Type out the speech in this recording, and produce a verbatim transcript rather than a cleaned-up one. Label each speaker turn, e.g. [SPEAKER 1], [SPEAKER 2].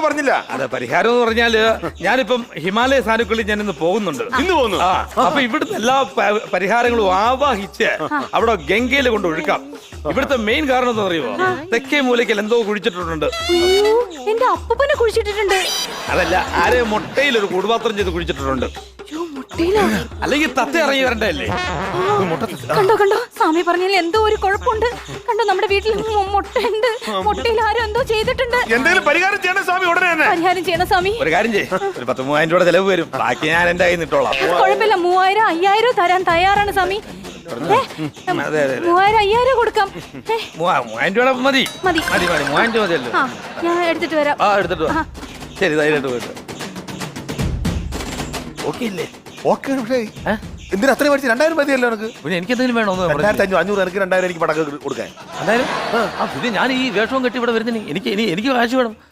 [SPEAKER 1] ഒന്നും പറഞ്ഞില്ല.
[SPEAKER 2] അതെ, പരിഹാരം എന്ന് പറഞ്ഞാല് ഞാനിപ്പം ഹിമാലയ സാനുക്കളിൽ ഞാൻ ഇന്ന് പോകുന്നുണ്ട്.
[SPEAKER 1] ഇന്ന് പോകുന്നു.
[SPEAKER 2] ആ, അപ്പൊ ഇവിടുത്തെ എല്ലാ പ- പരിഹാരങ്ങളും ആവാഹിച്ച് അവിടെ ഗംഗയിൽ കൊണ്ട് ഒഴുക്കാം. ഇവിടുത്തെ മെയിൻ കാരണം എന്താ അറിയുമോ? തെക്കേ മൂലയ്ക്കൽ എന്തോ കുഴിച്ചിട്ടുണ്ട്.
[SPEAKER 3] അയ്യോ, എന്റെ അപ്പൂപ്പനെ കുഴിച്ചിട്ടിട്ടുണ്ട്.
[SPEAKER 2] അതല്ല, ആരെ മുട്ടയിൽ ഒരു കൂടുപാത്രം ചെയ്ത് കുഴിച്ചിട്ടുണ്ട്.
[SPEAKER 3] അയ്യോ, മുട്ടയിലോ?
[SPEAKER 2] അല്ലെങ്കിൽ തത്ത ഇറങ്ങി വരണ്ടല്ലേ?
[SPEAKER 3] കണ്ടോ കണ്ടോ, സ്വാമി പറഞ്ഞാൽ എന്തോ ഒരു കുഴപ്പമുണ്ട്. കണ്ടോ, നമ്മുടെ വീട്ടിൽ മു- മുട്ടയുണ്ട്. മുട്ടയിൽ ആരും എന്തോ ചെയ്തിട്ടുണ്ട്.
[SPEAKER 1] എന്തെങ്കിലും പരിഹാരം ചെയ്യണം സ്വാമി ഉടനെ തന്നെ.
[SPEAKER 3] പരിഹാരം ചെയ്യണം സ്വാമി.
[SPEAKER 2] ഒരു കാര്യം ചെയ്യ്, ഒരു പത്ത് മൂവായിരം രൂപയുടെ ചെലവ് വരും. ബാക്കി ഞാൻ എന്റെ കയ്യിൽ നിട്ടോളാം.
[SPEAKER 3] കുഴപ്പമില്ല, മൂവായിരം അയ്യായിരം തരാൻ തയ്യാറാണ് സ്വാമി. ഏ,
[SPEAKER 2] അതെ അതെ അതെ.
[SPEAKER 3] മൂവായിരം അയ്യായിരം കൊടുക്കാം. ഏ,
[SPEAKER 2] മൂവാ- മൂവായിരം രൂപയുടെ മതി
[SPEAKER 3] മതി.
[SPEAKER 2] മതി മതി മൂവായിരം രൂപ മതിയല്ലോ.
[SPEAKER 3] ആ, ഞാൻ എടുത്തിട്ട് വരാം.
[SPEAKER 2] ആ, എടുത്തിട്ട് വാ. ശരി, ധൈര്യമായിട്ട് പോയിട്ട്. ഓക്കെ അല്ലേ?
[SPEAKER 1] ഓക്കെ, പക്ഷേ എന്തിനാ അത്രയും മേടിച്ച്? രണ്ടായിരം മതിയല്ലോ എനിക്ക്.
[SPEAKER 2] പിന്നെ എനിക്ക് എന്തെങ്കിലും വേണോ?
[SPEAKER 1] രണ്ടായിരത്തി അഞ്ഞൂറ് അഞ്ഞൂറ് എനിക്ക് രണ്ടായിരം എനിക്ക് പടക്കം കൊടുക്കാൻ.
[SPEAKER 2] എന്തായാലും ആ, പിന്നെ ഞാൻ ഈ വേഷവും കെട്ടി ഇവിടെ വരുന്നതിന് എനിക്ക് ഇനി എനിക്ക് കാശ് വേണം.